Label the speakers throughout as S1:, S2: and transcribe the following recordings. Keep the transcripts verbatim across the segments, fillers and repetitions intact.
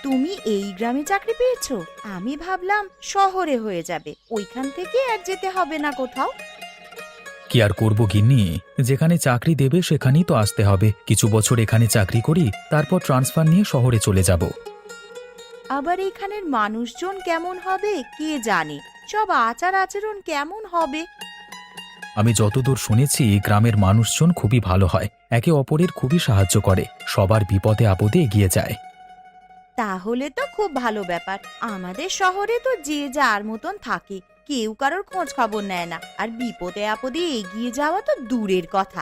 S1: তুমি এই গ্রামে চাকরি পেয়েছো? আমি ভাবলাম শহরে হয়ে যাবে, ওইখান থেকে আর যেতে হবে না কোথাও।
S2: কি আর করব গিন্নি, যেখানে চাকরি দেবে সেখানেই তো আসতে হবে। কিছু বছর এখানে চাকরি করি, তারপর ট্রান্সফার নিয়ে শহরে চলে যাব।
S1: আবার এখানের মানুষজন কেমন হবে কে জানে, সব আচার আচরণ কেমন হবে।
S2: আমি যতদূর শুনেছি গ্রামের মানুষজন খুবই ভালো হয়, একে অপরের খুবই সাহায্য করে, সবার বিপদে আপদে এগিয়ে যায়।
S1: তাহলে তো খুব ভালো ব্যাপার। আমাদের শহরে তো যে যার মতন থাকে, কেউ কারোর খোঁজ খবর নেয় না, আর বিপদে আপদে এগিয়ে যাওয়া তো দূরের কথা।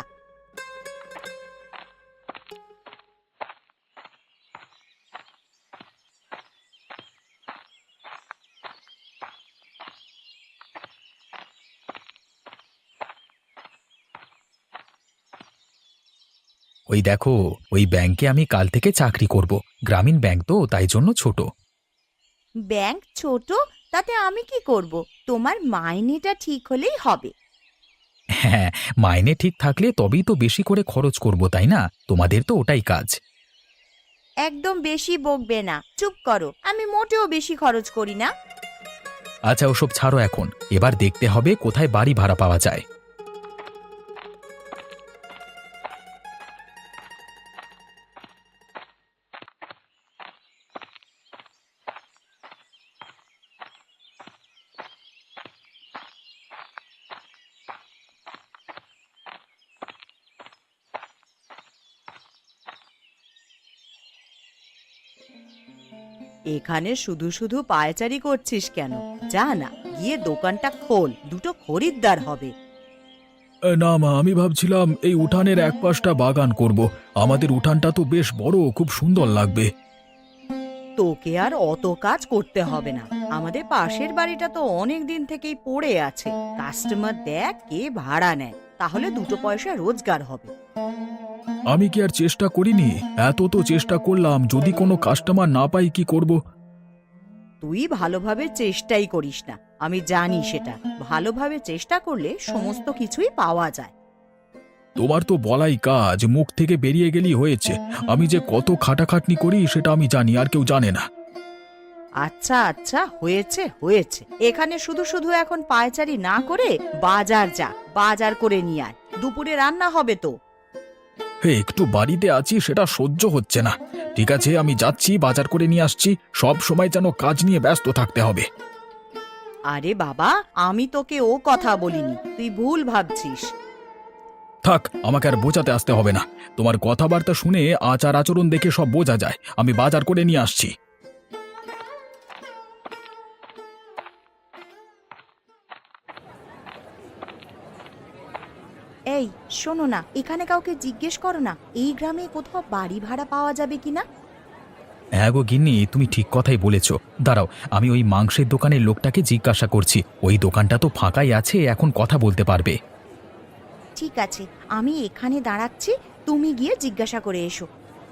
S2: ওই দেখো, ওই ব্যাংকে আমি কাল থেকে চাকরি করব। গ্রামীণ ব্যাংক তো, তাই জন্য ছোট।
S1: ব্যাংক ছোট, তাতে আমি কি করব? তোমার মাইনেটা ঠিক হলেই হবে।
S2: হ্যাঁ, মাইনে ঠিক থাকলে তবেই তো বেশি করে খরচ করব, তাই না? তোমাদের তো ওটাই কাজ।
S1: একদম বেশি বকবে না, চুপ করো। আমি মোটেও বেশি খরচ করি না।
S2: আচ্ছা, ওসব ছাড়ো এখন। এবার দেখতে হবে কোথায় বাড়ি ভাড়া পাওয়া যায়।
S1: এখানে শুধু শুধু পায়চারি করছিস কেন? যা না, গিয়ে দোকানটা খোল, দুটো খরিদ্দার হবে।
S2: না মা, আমি ভাবছিলাম এই উঠানের এক পাশটা বাগান করব। আমাদের উঠানটা তো বেশ বড়, খুব সুন্দর লাগবে।
S1: তোকে আর অত কাজ করতে হবে না। আমাদের পাশের বাড়িটা তো অনেক দিন থেকেই পড়ে আছে, কাস্টমার দেখ কে ভাড়া নেয়, তাহলে দুটো পয়সা রোজগার হবে।
S2: আমি কি আর চেষ্টা করিনি? এত তো চেষ্টা করলাম, যদি কোনো কাস্টমার না পাই কি করব?
S1: তুই ভালোভাবে চেষ্টাই করিস না, আমি জানি সেটা। ভালোভাবে চেষ্টা করলে সমস্ত কিছুই পাওয়া যায়।
S2: তোমার তো বলাই কাজ, মুখ থেকে বেরিয়ে গেলেই হয়েছে। আমি যে কত খাটাখাটনি করি সেটা আমি জানি, আর কেউ জানে না।
S1: আচ্ছা আচ্ছা, হয়েছে হয়েছে। এখানে শুধু শুধু এখন পায়চারি না করে বাজার যা, বাজার করে নিয়ে আয়। দুপুরে রান্না হবে তো।
S2: হে, একটু বাড়িতে আছি, সেটা সহ্য হচ্ছে না। ঠিক আছে, আমি যাচ্ছি, বাজার করে নিয়ে আসছি। সব সময় যেন কাজ নিয়ে ব্যস্ত থাকতে হবে।
S1: আরে বাবা, আমি তোকে ও কথা বলিনি, তুই ভুল ভাবছিস।
S2: থাক, আমাকে আর বোঝাতে আসতে হবে না। তোমার কথাবার্তা শুনে আচার আচরণ দেখে সব বোঝা যায়। আমি বাজার করে নিয়ে আসছি।
S1: এই শোনো না, এখানে কাউকে জিজ্ঞেস করো না, এই গ্রামে কোথাও বাড়ি ভাড়া পাওয়া যাবে কিনা।
S2: হ্যাঁ গো গিন্নি, তুমি ঠিক কথাই বলেছ। দাঁড়াও, আমি ওই মাংসের দোকানের লোকটাকে জিজ্ঞাসা করছি। ওই দোকানটা তো ফাঁকাই আছে, এখন কথা বলতে পারবে।
S1: ঠিক আছে, আমি এখানে দাঁড়াচ্ছি, তুমি গিয়ে জিজ্ঞাসা করে এসো।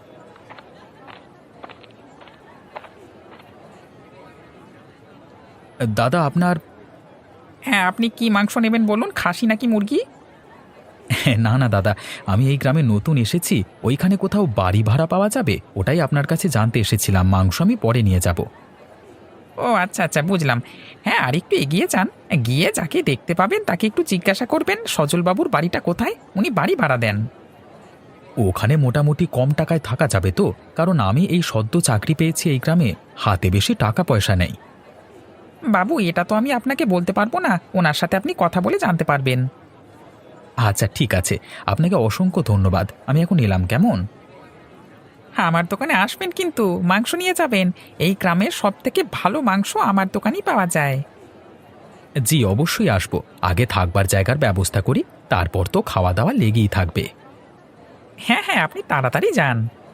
S2: দাদা, আপনার?
S3: হ্যাঁ, আপনি কি মাংস নেবেন বলুন, খাসি নাকি মুরগি?
S2: না না দাদা, আমি এই গ্রামে নতুন এসেছি। ওইখানে কোথাও বাড়ি ভাড়া পাওয়া যাবে, ওটাই আপনার কাছে জানতে এসেছিলাম। মাংস আমি পরে নিয়ে যাব।
S3: ও আচ্ছা আচ্ছা, বুঝলাম। হ্যাঁ, আর একটু এগিয়ে যান, গিয়ে যাকে দেখতে পাবেন তাকে একটু জিজ্ঞাসা করবেন সজলবাবুর বাড়িটা কোথায়, উনি বাড়ি ভাড়া দেন।
S2: ওখানে মোটামুটি কম টাকায় থাকা যাবে তো? কারণ আমি এই সদ্য চাকরি পেয়েছি এই গ্রামে, হাতে বেশি টাকা পয়সা নেই।
S3: বাবু, এটা তো আমি আপনাকে বলতে পারবো না, ওনার সাথে আপনি কথা বলে জানতে পারবেন।
S2: আচ্ছা ঠিক আছে, আপনাকে অসংখ্য ধন্যবাদ। আমি এখন এলাম, কেমন?
S3: আমার দোকানে আসবেন কিন্তু, মাংস নিয়ে যাবেন। এই গ্রামের সব থেকে ভালো মাংস আমার দোকানেই পাওয়া যায়।
S2: জি অবশ্যই আসবো। আগে থাকবার জায়গার ব্যবস্থা করি, তারপর তো খাওয়া দাওয়া লেগেই থাকবে।
S3: হ্যাঁ হ্যাঁ, আপনি তাড়াতাড়ি যান।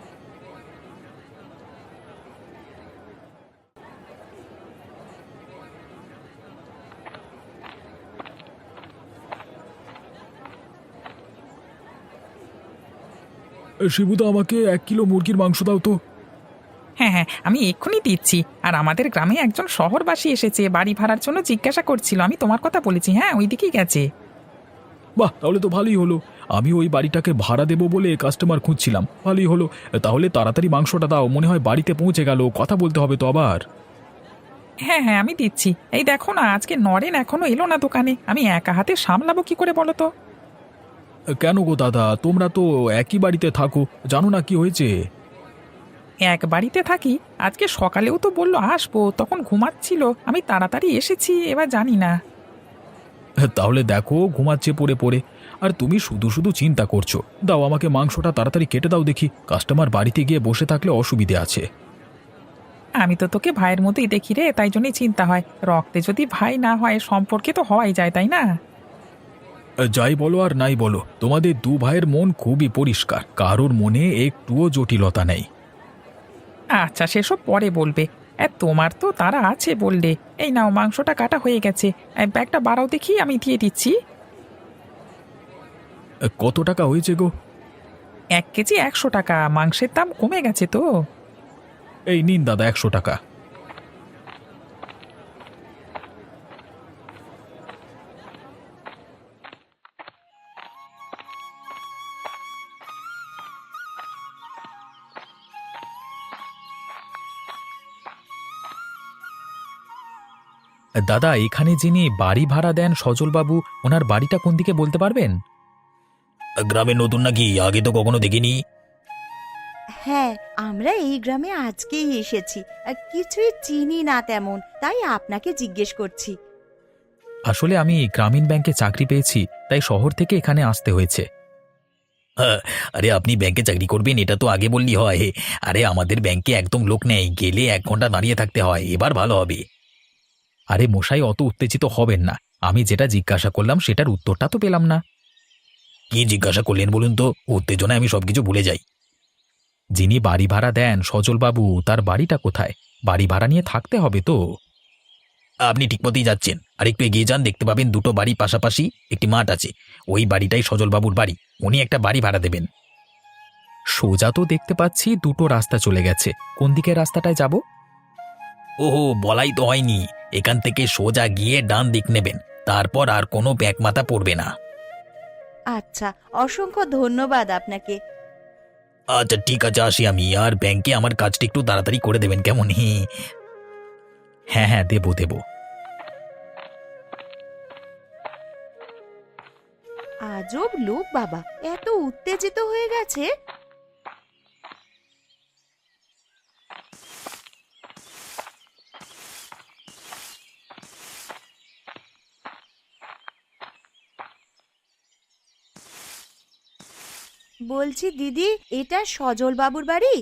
S2: শিবুদা, আমাকে এক কিলো মুরগির মাংস দাও তো।
S3: হ্যাঁ হ্যাঁ, আমি এক্ষুনি দিচ্ছি। আর আমাদের গ্রামে একজন শহরবাসী এসেছে, বাড়ি ভাড়ার জন্য জিজ্ঞাসা করছিল, আমি তোমার কথা বলেছি। হ্যাঁ, ওই দিকেই গেছে।
S2: বাহ, তাহলে তো ভালোই হলো। আমি ওই বাড়িটাকে ভাড়া দেবো বলে কাস্টমার খুঁজছিলাম, ভালোই হলো। তাহলে তাড়াতাড়ি মাংসটা দাও, মনে হয় বাড়িতে পৌঁছে গেল, কথা বলতে হবে তো আবার।
S3: হ্যাঁ হ্যাঁ আমি দিচ্ছি। এই দেখো না, আজকে নরেন এখনো এলো না দোকানে, আমি একা হাতে সামলাবো কি করে বলো তো?
S2: কেন গো দাদা, তোমরা তো একই বাড়িতে থাকো, জানো না কি হয়েছে?
S3: এক বাড়িতে থাকি, আজকে সকালেও তো বললো আসবো, তখন ঘুমাচ্ছিল, আমি তাড়াতাড়ি এসেছি, এবার জানি না।
S2: তাহলে দেখো ঘুমাচ্ছে পড়ে পড়ে, আর তুমি শুধু শুধু চিন্তা করছো। দাও আমাকে মাংসটা তাড়াতাড়ি কেটে দাও দেখি, কাস্টমার বাড়িতে গিয়ে বসে থাকলে অসুবিধে আছে।
S3: আমি তো তোকে ভাইয়ের মতোই দেখি রে, তাই জন্যই চিন্তা হয়। রক্তে যদি ভাই না হয়, সম্পর্কে তো হওয়াই যায়, তাই না?
S2: যাই বলো আর নাই বলো, তোমাদের দু ভাইয়ের মন খুবই পরিষ্কার, কারোর মনে একটুও জটিলতা নেই।
S3: আচ্ছা সেসব পরে বলবে। এ, তোমার তো তারা আছে বললে। এই নাও, মাংসটা কাটা হয়ে গেছে। এই ব্যাগটা বাড়াও দেখি, আমি দিয়ে দিচ্ছি।
S2: কত টাকা হয়েছে গো?
S3: এক কেজি একশো টাকা, মাংসের দাম কমে গেছে তো।
S2: এই নিন দাদা, একশো টাকা। দাদা, এখানে যিনি বাড়ি ভাড়া দেন সজলবাবু, ওনার বাড়িটা কোন দিকে বলতে পারবেন? গ্রামে নতুন নাকি, আগে তো কখনো দেখিনি।
S1: হ্যাঁ, আমরা এই গ্রামে আজকেই এসেছি, আর কিছুই চিনি না তেমন, তাই আপনাকে জিজ্ঞেস করছি।
S2: আসলে আমি গ্রামীণ ব্যাংকে চাকরি পেয়েছি, তাই শহর থেকে এখানে আসতে হয়েছে। আরে আপনি ব্যাংকে চাকরি করবেন এটা তো আগে বললি হয়। আরে আমাদের ব্যাংকে একদম লোক নেই, গেলে এক ঘন্টা দাঁড়িয়ে থাকতে হয়, এবার ভালো হবে। আরে মশাই, অত উত্তেজিত হবেন না, আমি যেটা জিজ্ঞাসা করলাম সেটার উত্তরটা তো পেলাম না। কি জিজ্ঞাসা করলেন বলুন তো, উত্তেজনায় আমি সবকিছু ভুলে যাই। যিনি বাড়ি ভাড়া দেন সজলবাবু, তার বাড়িটা কোথায়? বাড়ি ভাড়া নিয়ে থাকতে হবে তো। আপনি ঠিক পথেই যাচ্ছেন, আর একটু এগিয়ে যান, দেখতে পাবেন দুটো বাড়ি পাশাপাশি, একটি মাঠ আছে, ওই বাড়িটাই সজলবাবুর বাড়ি, উনি একটা বাড়ি ভাড়া দেবেন। সোজা তো দেখতে পাচ্ছি দুটো রাস্তা চলে গেছে, কোন দিকের রাস্তাটায় যাব? ওহো, বলাই তো হয়নি, এখান থেকে সোজা গিয়ে ডান দিক নেবেন, তারপর আর কোনো ব্যাক মাথা পড়বে না।
S1: আচ্ছা, অসংখ্য ধন্যবাদ আপনাকে।
S2: আচ্ছা ঠিক আছে, আসি আমি, আর ব্যাংকে আমার কাজটা একটু তাড়াতাড়ি করে দেবেন কেমন? হ্যাঁ হ্যাঁ, দেবো দেবো।
S1: আজব লোক বাবা, এত উত্তেজিত হয়ে গেছে। বলছি দিদি, এটা সজল বাবুর বাড়ি?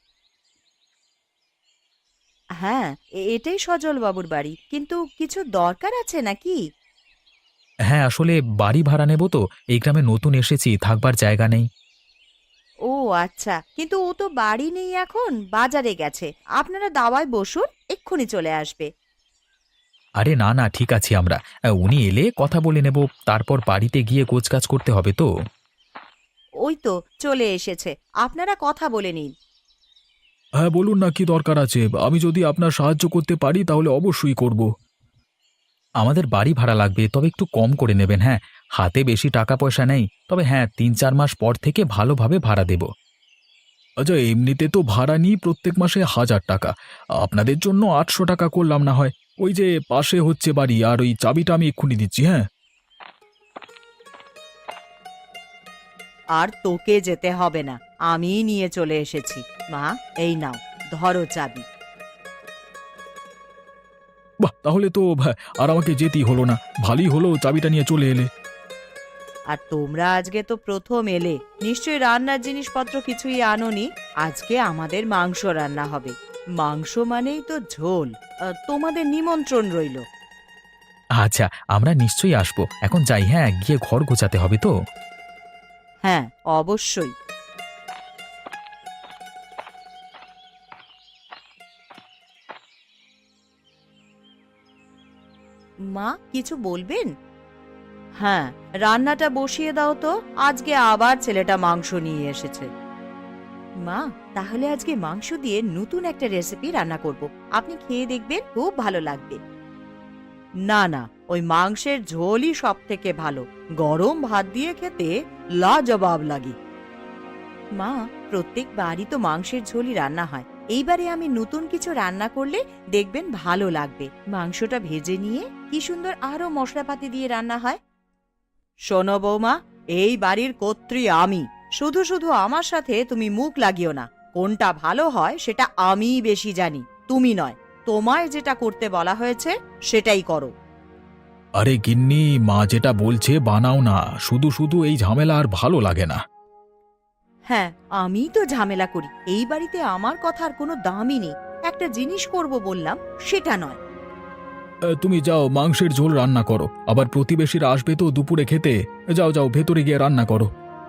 S1: হ্যাঁ, এ- এটাই সজল বাবুর বাড়ি, কিন্তু কিছু দরকার আছে নাকি?
S2: হ্যাঁ, আসলে বাড়ি ভাড়া নেব তো, এই গ্রামে নতুন এসেছি, থাকবার জায়গা নেই।
S1: ও আচ্ছা, কিন্তু ও তো বাড়ি নেই, এখন বাজারে গেছে। আপনারা দাওয়ায় বসুন, এক্ষুনি চলে আসবে।
S2: আরে না না, ঠিক আছি আমরা, আহ, উনি এলে কথা বলে নেব, তারপর বাড়িতে গিয়ে গোছকাজ করতে হবে তো।
S1: ওই তো চলে এসেছে, আপনারা কথা বলে নিন।
S2: হ্যাঁ বলুন না, কি দরকার আছে? আমি যদি আপনার সাহায্য করতে পারি তাহলে অবশ্যই করব। আমাদের বাড়ি ভাড়া লাগবে, তবে একটু কম করে নেবেন। হ্যাঁ, হাতে বেশি টাকা পয়সা নেই, তবে হ্যাঁ তিন চার মাস পর থেকে ভালোভাবে ভাড়া দেব। আচ্ছা, এমনিতে তো ভাড়া নিই প্রত্যেক মাসে হাজার টাকা, আপনাদের জন্য আটশো টাকা করলাম না হয়? ওই যে পাশে হচ্ছে বাড়ি, আর ওই চাবিটা আমি এক্ষুনি দিচ্ছি। হ্যাঁ,
S1: আর তোকে যেতে হবে না, আমিই নিয়ে চলে এসেছি। মা, এই নাও, ধরো চাবি।
S2: বাহ, তাহলে তো ভা- আর আমাকে যেতেই হলো না, ভালোই হলো চাবিটা নিয়ে চলে এলে।
S1: আর তোমরা আজকে তো প্রথম এলে, নিশ্চয়ই রান্নার জিনিসপত্র কিছুই আনোনি। আজকে আমাদের মাংস রান্না হবে। মাংস মানেই তো ঝোল। আহ, তোমাদের নিমন্ত্রণ রইল।
S2: আচ্ছা, আমরা নিশ্চয়ই আসবো, এখন যাই, হ্যাঁ গিয়ে ঘর গোছাতে হবে তো।
S1: হ্যাঁ, অবশ্যই। মা, কিছু বলবেন? হ্যাঁ, রান্নাটা বসিয়ে দাও তো, আজকে আবার ছেলেটা মাংস নিয়ে এসেছে। মা, তাহলে আজকে মাংস দিয়ে নতুন একটা রেসিপি রান্না করব, আপনি খেয়ে দেখবেন, খুব ভালো লাগবে। না না, ওই মাংসের ঝোলই সব থেকে ভালো। গরম ভাত দিয়ে খেতে লাজবাব লাগে। মা, প্রত্যেক বাড়ি তো মাংসের ঝোলই রান্না হয়। এইবারে আমি নতুন কিছু রান্না করলে দেখবেন ভালো লাগবে। মাংসটা ভেজে নিয়ে কি সুন্দর আরো মশলাপাতি দিয়ে রান্না হয়। শোনো বৌমা, এই বাড়ির কর্ত্রী আমি। শুধু শুধু আমার সাথে তুমি মুখ লাগিও না। কোনটা ভালো হয় সেটা আমিই বেশি জানি, তুমি নয়। তোমায় যেটা করতে বলা হয়েছে সেটাই করো।
S2: আরে গিন্নি, মা যেটা বলছে বানাও না, শুধু শুধু এই ঝামেলা আর ভালো লাগে না।
S1: হ্যাঁ, আমি তো ঝামেলা করি। এই বাড়িতে আমার কথার কোনো দামই নেই। একটা জিনিস করব বললাম, সেটা নয়।
S2: এ, তুমি যাও মাংসের ঝোল রান্না করো, আবার প্রতিবেশীরা আসবে তো দুপুরে খেতে। যাও যাও, ভেতরে গিয়ে রান্না করো।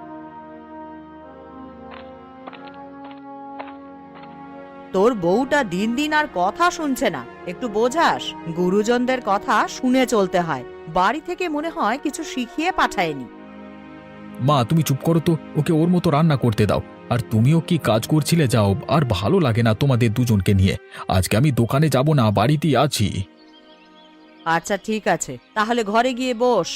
S1: তোর বউটা দিন দিন আর কথা শুনছে না, একটু বোঝাস। গুরুজনদের কথা শুনে চলতে হয়। বাড়ি থেকে মনে হয় কিছু শিখিয়ে পাঠায়নি।
S2: মা তুমি চুপ করো তো, ওকে ওর মতো রান্না করতে দাও। আর তুমিও কি কাজ করছিলে, যাও। আর ভালো লাগে না তোমাদের দুজনকে নিয়ে। আজকে আমি দোকানে যাব না, বাড়িতেই আছি।
S1: আচ্ছা ঠিক আছে, তাহলে ঘরে গিয়ে বস।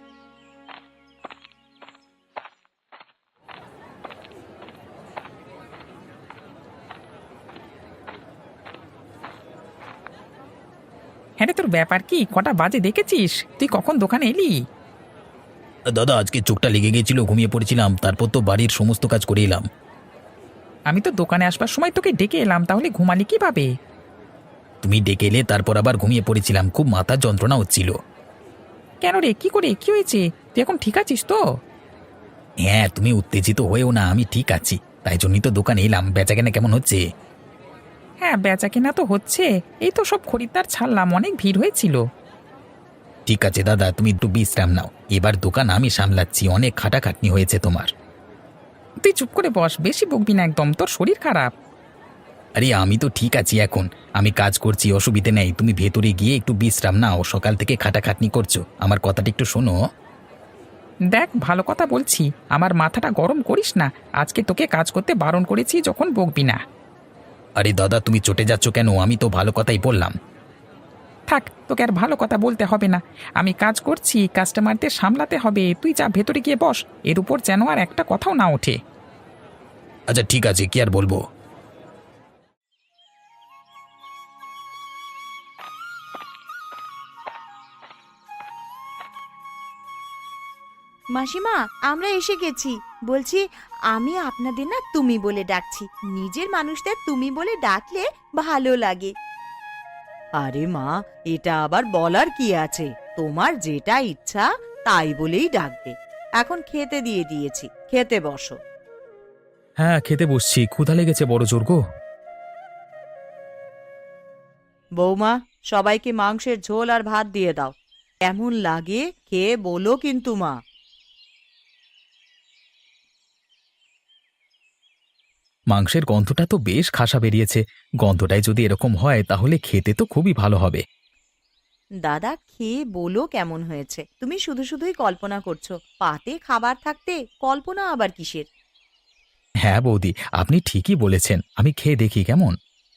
S3: হ্যাঁ রে, তোর ব্যাপার কি? কটা বাজে দেখেছিস? তুই কখন দোকানে এলি?
S2: দাদা, আজকে চোখটা লেগে গেছিল, ঘুমিয়ে পড়েছিলাম। তারপর তো বাড়ির সমস্ত কাজ করে এলাম।
S3: আমি তো দোকানে আসবার সময় তোকে ডেকে এলাম, তাহলে ঘুমালি কিভাবে?
S2: তুমি ডেকে এলে, তারপর আবার ঘুমিয়ে পড়েছিলাম। খুব মাথার যন্ত্রণা হচ্ছিল।
S3: কেন রে, কি করে, কি হয়েছে? তুই এখন ঠিক আছিস তো?
S2: হ্যাঁ, তুমি উত্তেজিত হয়েও না, আমি ঠিক আছি। তাই জন্যই তো দোকানে এলাম। বেচাকেনা কেমন হচ্ছে?
S3: হ্যাঁ, বেচা কেনা তো হচ্ছে। এই তো সব খরিদ্দার ছাড়লাম, অনেক ভিড় হয়েছিল।
S2: ঠিক আছে দাদা, তুমি একটু বিশ্রাম নাও। এবার দোকান আমি সামলাচ্ছি। অনেক খাটাখাটনি হয়েছে তোমার।
S3: তুই চুপ করে বস, বেশি বকবি না একদম, তোর শরীর খারাপ।
S2: আরে আমি তো ঠিক আছি এখন। আমি কাজ করছি, অসুবিধে নেই। তুমি ভেতরে গিয়ে একটু বিশ্রাম নাও। সকাল থেকে খাটাখাটনি করছো, আমার কথাটা একটু শোনো।
S3: দেখ, ভালো কথা বলছি, আমার মাথাটা গরম করিস না। আজকে তোকে কাজ করতে বারণ করেছি, যখন বকবি না।
S2: আরে দাদা, তুমি চটে যাচ্ছ কেন? আমি তো ভালো কথাই বললাম।
S3: থাক, তোকে আর ভালো কথা বলতে হবে না। আমি কাজ করছি, কাস্টমারদের সামলাতে হবে। তুই যা, ভেতরে গিয়ে বস। এর উপর যেন আর একটা কথাও না ওঠে।
S2: আচ্ছা ঠিক আছে, কি আর বলবো।
S1: মাসিমা, আমরা এসে গেছি। বলছি, আমি আপনাদের না তুমি বলে ডাকছি। নিজের মানুষদের তুমি বলে ডাকলে ভালো লাগে। আরে মা, এটা আবার বলার কি আছে? তোমার যেটা ইচ্ছা তাই বলেই ডাকবে। এখন খেতে দিয়ে দিয়েছি, খেতে বসো।
S2: হ্যাঁ, খেতে বসছি। ক্ষুধা লেগেছে বড় জোর গো।
S1: বৌমা, সবাইকে মাংসের ঝোল আর ভাত দিয়ে দাও। কেমন লাগে খেয়ে বলো কিন্তু মা।
S2: মাংসের গন্ধটা তো বেশ খাসা বেরিয়েছে। গন্ধটাই যদি এরকম হয় তাহলে খেতে তো খুবই ভালো হবে।
S1: দাদা, খেয়ে বলো কেমন হয়েছে। তুমি শুধু শুধুই কল্পনা করছো। পাতে খাবার থাকতে কল্পনা আবার কিসের?
S2: হ্যাঁ বৌদি, আপনি ঠিকই বলেছেন। আমি খেয়ে দেখি কেমন।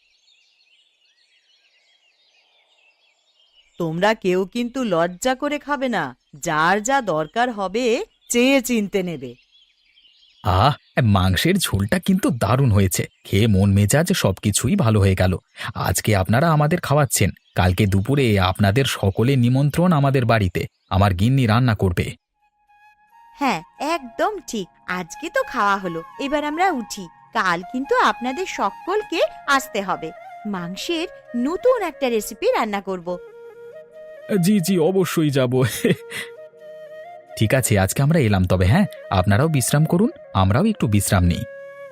S1: তোমরা কেউ কিন্তু লজ্জা করে খাবে না। যার যা দরকার হবে চেয়ে চিনতে নেবে।
S2: আহ, মাংসের ঝোলটা কিন্তু দারুণ হয়েছে। খেয়ে মন মেজাজ সবকিছুই ভালো হয়ে গেল। আজকে আপনারা আমাদের খাওয়াচ্ছেন, কালকে দুপুরে আপনাদের সকলের নিমন্ত্রণ আমাদের বাড়িতে। আমার গিন্নি রান্না করবে।
S1: হ্যাঁ, একদম ঠিক। আজকে তো খাওয়া হলো, এবার আমরা উঠি। কাল কিন্তু আপনাদের সকলকে আসতে হবে। মাংসের নতুন একটা রেসিপি রান্না করব।
S2: জি জি, অবশ্যই যাব। ঠিক আছে, আজকে আমরা এলাম তবে। হ্যাঁ, আপনারাও বিশ্রাম করুন, আমরাও একটু বিশ্রাম নিই।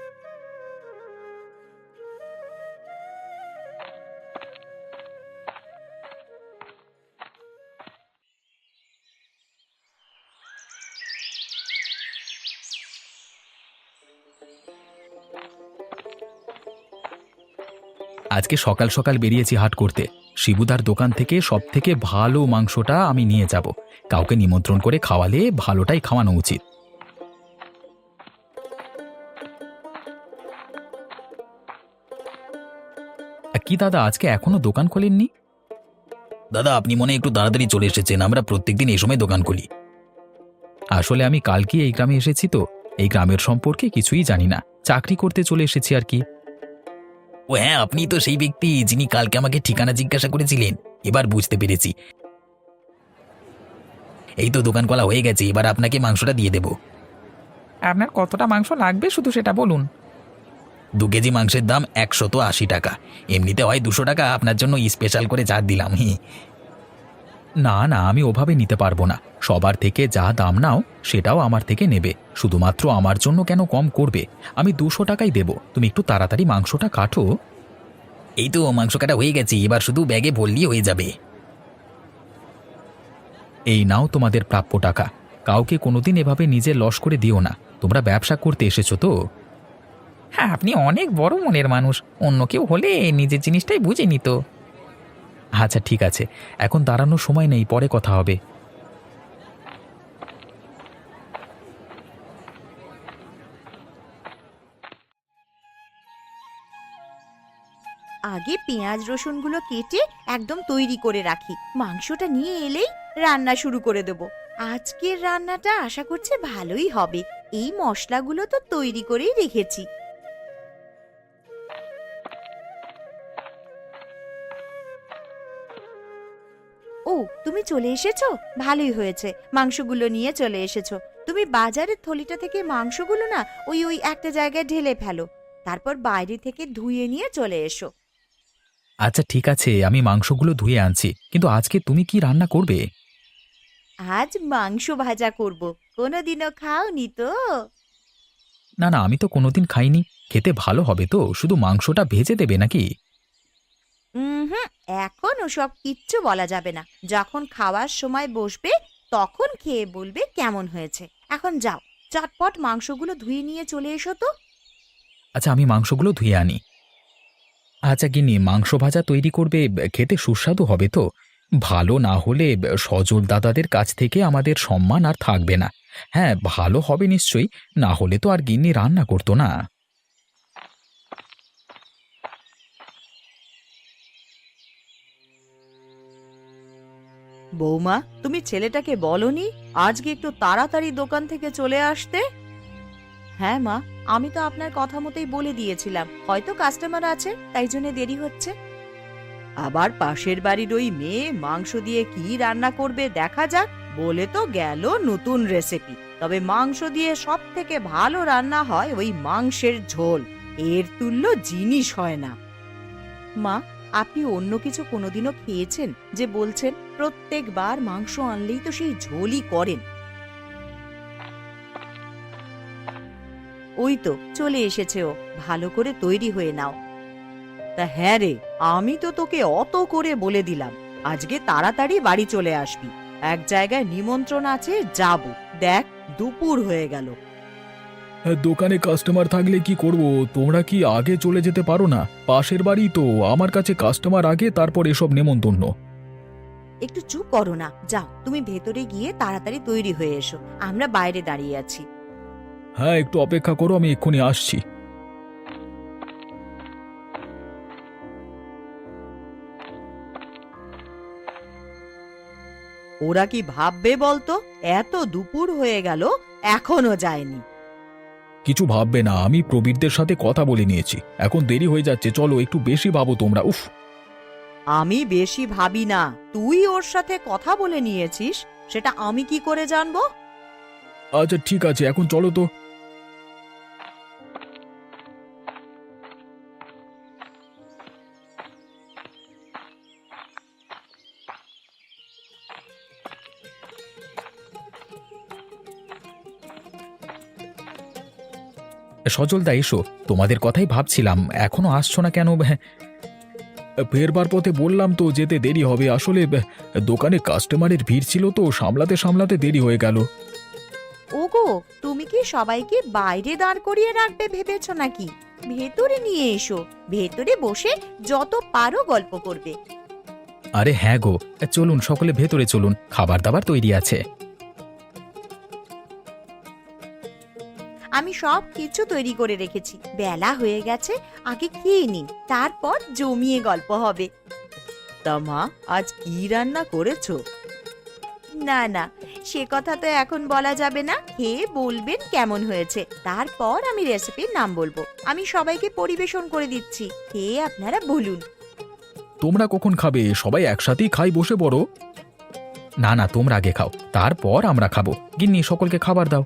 S2: আজকে সকাল সকাল বেরিয়েছি হাট করতে। শিবুদার দোকান থেকে সব থেকে ভালো মাংসটা আমি নিয়ে যাব। কাউকে নিমন্ত্রণ করে খাওয়ালে ভালোটাই খাওয়ানো উচিত। কি দাদা, আজকে এখনো দোকান খোলেননি? দাদা আপনি মনে হয় একটু তাড়াতাড়ি চলে এসেছেন, আমরা প্রত্যেকদিন এই সময় দোকান খুলি। আসলে আমি কালকে এই গ্রামে এসেছি তো, এই গ্রামের সম্পর্কে কিছুই জানি না, চাকরি করতে চলে এসেছি আর কি। ও হ্যাঁ, আপনি তো সেই ব্যক্তি যিনি কালকে আমাকে ঠিকানা জিজ্ঞাসা করেছিলেন, এবার বুঝতে পেরেছি। এই তো দোকান খোলা হয়ে গেছে, এবার আপনাকে মাংসটা দিয়ে দেব।
S3: আপনার কতটা মাংস লাগবে শুধু সেটা বলুন।
S2: দু কেজি মাংসের দাম একশত আশি টাকা, এমনিতে হয় দুশো টাকা, আপনার জন্য স্পেশাল করে ছাড় দিলাম। হি না না, আমি ওভাবে নিতে পারবো না, সবার থেকে যা দাম নাও সেটাও আমার থেকে নেবে, শুধুমাত্র আমার জন্য কেন কম করবে? আমি দুশো টাকাই দেব, তুমি একটু তাড়াতাড়ি মাংসটা কাটো। এই তো মাংস কাটা হয়ে গেছে, এবার শুধু ব্যাগে ভরলেই হয়ে যাবে। এই নাও তোমাদের প্রাপ্য টাকা, কাউকে কোনোদিন এভাবে নিজে লস করে দিও না, তোমরা ব্যবসা করতে এসেছো তো।
S3: হ্যাঁ, আপনি অনেক বড় মনের মানুষ, অন্য কেউ হলে নিজের জিনিসটাই বুঝে নিত।
S2: আচ্ছা ঠিক আছে, এখন দাঁড়ানোর সময় নেই, পরে কথা হবে।
S1: আগে পেঁয়াজ রসুনগুলো কেটে একদম তৈরি করে রাখি, মাংসটা নিয়ে এলেই রান্না শুরু করে দেব। আজকের রান্নাটা আশা করছি ভালোই হবে, এই মশলাগুলো তো তৈরি করেই রেখেছি। ও, তুমি চলে এসেছো, ভালোই হয়েছে, মাংসগুলো নিয়ে চলে এসেছো। তুমি বাজারের থলিটা থেকে মাংসগুলো না ওই ওই একটা জায়গায় ঢেলে ফেলো, তারপর বাইরে থেকে ধুয়ে নিয়ে চলে এসো।
S2: আচ্ছা ঠিক আছে, আমি মাংসগুলো ধুয়ে আনছি, কিন্তু আজকে তুমি কি রান্না করবে?
S1: আজ মাংস ভাজা করব, কোনোদিনও খাওনি তো?
S2: না না, আমি তো কোনোদিন খাইনি, খেতে ভালো হবে তো? শুধু মাংসটা ভেজে দেবে নাকি?
S1: হুম, এখন ওসব কিচ্ছু বলা যাবে না, যখন খাওয়ার সময় বসবে তখন খেয়ে বলবে কেমন হয়েছে। এখন যাও, চটপট মাংসগুলো ধুয়ে নিয়ে চলে এসো তো।
S2: আচ্ছা আমি মাংসগুলো ধুয়ে আনি। আচ্ছা গিন্নি, মাংস ভাজা তৈরি করবে, খেতে সুস্বাদু হবে তো? ভালো না হলে সজল দাদাদের কাছ থেকে আমাদের সম্মান আর থাকবে না। হ্যাঁ ভালো হবে নিশ্চয়ই, না হলে তো আর গিন্নি রান্না করতো না।
S1: বৌমা, তুমি ছেলেটাকে বলনি আজকে একটু তাড়াতাড়ি দোকান থেকে চলে আসতে? হ্যাঁ মা, আমি তো আপনার কথা মতোই বলে দিয়েছিলাম, হয়তো কাস্টমার আছে তাই জন্য দেরি হচ্ছে। আবার পাশের বাড়ির ওই মেয়ে মাংস দিয়ে কি রান্না করবে দেখা যাক, বলে তো গেল নতুন রেসিপি, তবে মাংস দিয়ে সব থেকে ভালো রান্না হয় ওই মাংসের ঝোল, এর তুল্য জিনিস হয় না। মা, আপনি অন্য কিছু কোনোদিনও খেয়েছেন যে বলছেন প্রত্যেকবার মাংস আনলেই তো সেই ঝোলই করেন? ওই তো চলে এসেছে ও, ভালো করে তৈরি হয়ে নাও। তা হ্যাঁ রে, আমি তো তোকে অত করে বলে দিলাম আজকে তাড়াতাড়ি বাড়ি চলে আসবি, এক জায়গায় নিমন্ত্রণ আছে, যাব। দেখ দুপুর হয়ে গেল।
S4: দোকানে কাস্টমার থাকলে কি করব? তোমরা কি আগে চলে যেতে পারো না? পাশের বাড়ি তো, আমার কাছে কাস্টমার আগে, তারপর এসব নেমন্তন্ন।
S1: একটু চুপ করো না, যাও তুমি ভেতরে গিয়ে তাড়াতাড়ি তৈরি হয়ে এসো, আমরা বাইরে দাঁড়িয়ে আছি।
S4: হ্যাঁ একটু অপেক্ষা করো, আমি এক্ষুনি আসছি।
S1: ওরা কি ভাববে বলতো, এত দুপুর হয়ে গেল এখনো যায়নি।
S4: কিছু ভাববে না, আমি প্রবীরদের সাথে কথা বলে নিয়েছি, এখন দেরি হয়ে যাচ্ছে, চলো একটু বেশি ভাবো তোমরা। উফ,
S1: আমি বেশি ভাবি না, তুই ওর সাথে কথা বলে নিয়েছিস, সেটা আমি কি করে জানবো?
S4: আচ্ছা ঠিক আছে, এখন চলো তো।
S2: সজলদা এসো, তোমাদের কথাই ভাবছিলাম, এখনো আসছো না কেন?
S4: ফেরবার পথে বললাম তো যেতে দেরি হবে, আসলে দোকানে কাস্টমারের ভিড় ছিল তো, সামলাতে সামলাতে দেরি হয়ে গেল।
S1: ওগো, তুমি কি সবাইকে বাইরে দাঁড় করিয়ে রাখবে ভেবেছো নাকি? ভেতরে নিয়ে এসো, ভেতরে বসে যত পারো গল্প করবে।
S2: আরে হ্যাঁ গো, চলুন সকলে ভেতরে চলুন, খাবার দাবার তৈরি আছে।
S1: আমি সব কিছু তৈরি করে রেখেছি, বেলা হয়ে গেছে, আগে খেয়ে নিন, তারপর জমিয়ে গল্প হবে। তা মা, আজ কি রান্না করেছো? না না, সে কথা তো এখন বলা যাবে না। খেয়ে বলবেন কেমন হয়েছে, তারপর আমি রেসিপির নাম বলবো। আমি সবাইকে পরিবেশন করে দিচ্ছি, খেয়ে আপনারা বলুন।
S4: তোমরা কখন খাবে? সবাই একসাথেই খাই, বসে পড়ো।
S2: না না, তোমরা আগে খাও, তারপর আমরা খাবো। গিন্নি, সকলকে খাবার দাও।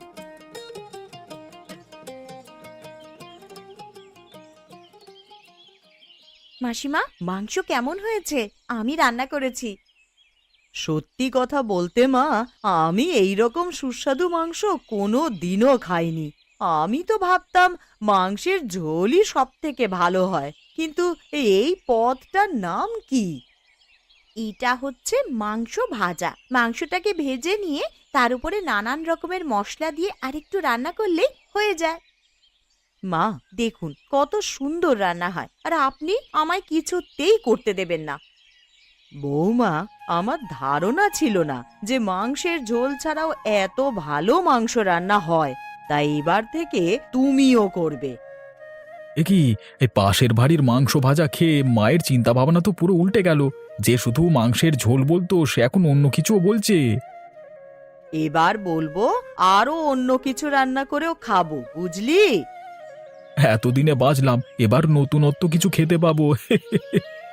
S1: মাসিমা, মাংস কেমন হয়েছে? আমি রান্না করেছি। সত্যি কথা বলতে মা, আমি এই রকম সুস্বাদু মাংস কোনো দিনও খাইনি। আমি তো ভাবতাম মাংসের ঝোলই সব থেকে ভালো হয়, কিন্তু এই পদটার নাম কি? এটা হচ্ছে মাংস ভাজা। মাংসটাকে ভেজে নিয়ে তার উপরে নানান রকমের মশলা দিয়ে আরেকটু রান্না করলেই হয়ে যায়। মা দেখুন কত সুন্দর রান্না হয়, আর আপনি আমায় কিছুতেই করতে দেবেন না। বৌমা, আমার ধারণা ছিল না যে মাংসের ঝোল ছাড়াও এত ভালো মাংস রান্না হয়, তাই এবার থেকে তুমিও করবে।
S4: এ কি, এই পাশের বাড়ির মাংস ভাজা খেয়ে মায়ের চিন্তা ভাবনা তো পুরো উল্টে গেল। যে শুধু মাংসের ঝোল বলতো, সে এখন অন্য কিছুও বলছে।
S1: এবার বলবো আরো অন্য কিছু রান্না করেও খাবো, বুঝলি?
S4: এতদিনে বাঁচলাম, এবার নতুনত্ব কিছু খেতে পাবো।